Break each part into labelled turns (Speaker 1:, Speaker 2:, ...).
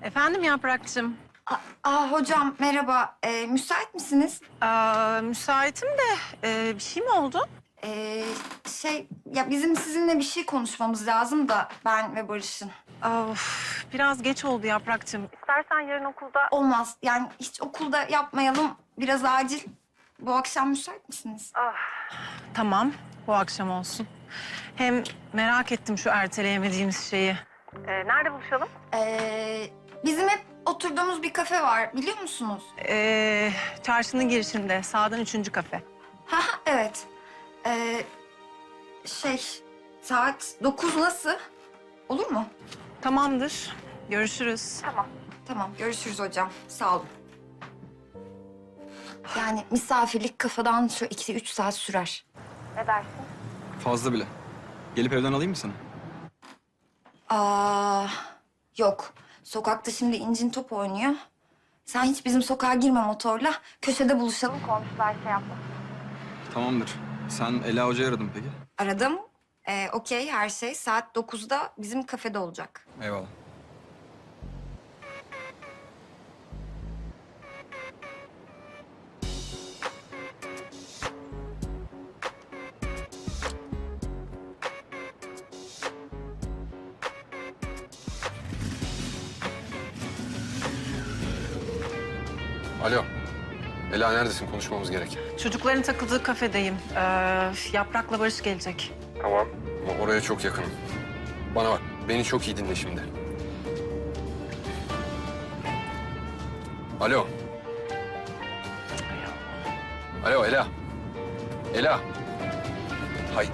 Speaker 1: Efendim Yaprakçığım.
Speaker 2: Hocam merhaba. Müsait misiniz?
Speaker 1: Müsaitim de bir şey mi oldu?
Speaker 2: Ya bizim sizinle bir şey konuşmamız lazım da ben ve Barış'ın.
Speaker 1: Of, biraz geç oldu Yaprakçığım. İstersen yarın okulda...
Speaker 2: Olmaz. Yani hiç okulda yapmayalım. Biraz acil. Bu akşam müsait misiniz?
Speaker 1: Tamam, bu akşam olsun. Hem merak ettim şu erteleyemediğimiz şeyi. Nerede buluşalım?
Speaker 2: Bizim hep oturduğumuz bir kafe var. Biliyor musunuz?
Speaker 1: Çarşının girişinde, sağdan 3. kafe.
Speaker 2: Ha evet. Saat 9 nasıl? Olur mu?
Speaker 1: Tamamdır, görüşürüz.
Speaker 2: Tamam, görüşürüz hocam. Sağ olun. Yani misafirlik kafadan şu 2-3 saat sürer. Ne dersin?
Speaker 3: Fazla bile. Gelip evden alayım mı seni?
Speaker 2: Yok. Sokakta şimdi İncin top oynuyor. Sen hiç bizim sokağa girme motorla. Köşede buluşalım. Komşular şey yapma.
Speaker 3: Tamamdır. Sen Ela Hoca'yı aradın peki?
Speaker 2: Aradım. Okey, her şey saat 9'da bizim kafede olacak.
Speaker 3: Eyvallah.
Speaker 4: Alo. Ela neredesin? Konuşmamız gerek.
Speaker 1: Çocukların takıldığı kafedeyim. Yaprak'la Barış gelecek.
Speaker 4: Tamam. Ama oraya çok yakınım. Bana bak. Beni çok iyi dinle şimdi. Alo. Alo Ela. Ela. Hay.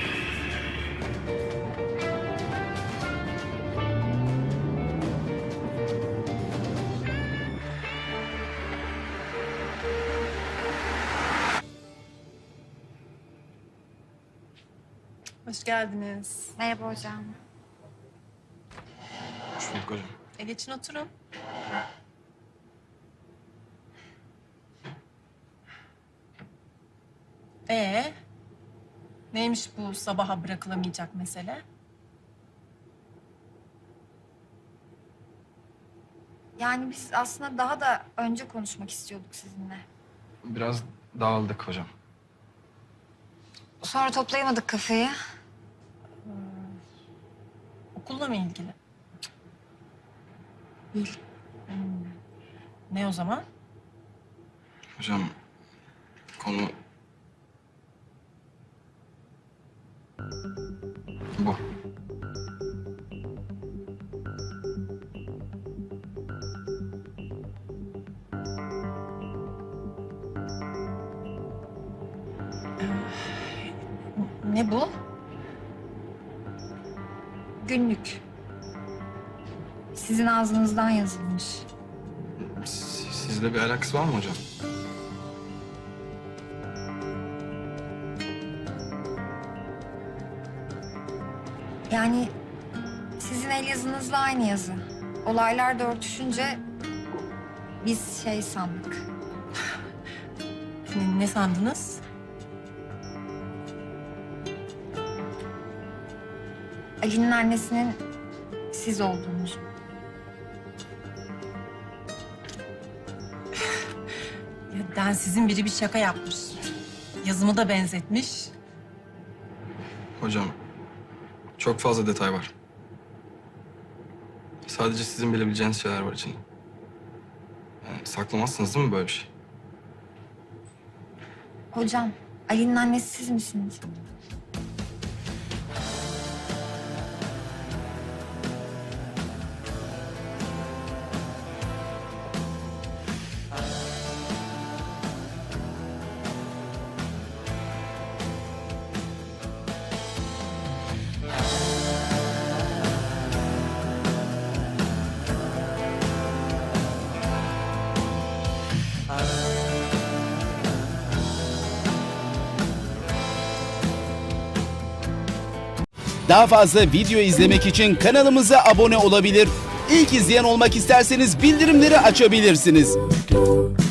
Speaker 1: Hoş geldiniz.
Speaker 2: Merhaba hocam.
Speaker 3: Hoş bulduk hocam.
Speaker 1: Geçin oturun. Neymiş bu sabaha bırakılamayacak mesele?
Speaker 2: Yani biz aslında daha da önce konuşmak istiyorduk sizinle.
Speaker 3: Biraz dağıldık hocam.
Speaker 2: Sonra toplayamadık kafeyi.
Speaker 1: Okulla mı ilgili?
Speaker 2: Değil.
Speaker 1: Ne o zaman?
Speaker 3: Hocam konu... Bu.
Speaker 1: Ne bu?
Speaker 2: Günlük. Sizin ağzınızdan yazılmış.
Speaker 3: Sizle bir alakası var mı hocam?
Speaker 2: Yani sizin el yazınızla aynı yazı. Olaylar da örtüşünce biz şey sandık.
Speaker 1: Ne sandınız?
Speaker 2: Ali'nin annesinin siz olduğunuzu.
Speaker 1: Ya densizin biri bir şaka yapmış. Yazımı da benzetmiş.
Speaker 3: Hocam çok fazla detay var. Sadece sizin bilebileceğiniz şeyler var içinde. Yani saklamazsınız değil mi böyle bir şey?
Speaker 2: Hocam, Ali'nin annesi siz misiniz?
Speaker 5: Daha fazla video izlemek için kanalımıza abone olabilir. İlk izleyen olmak isterseniz bildirimleri açabilirsiniz.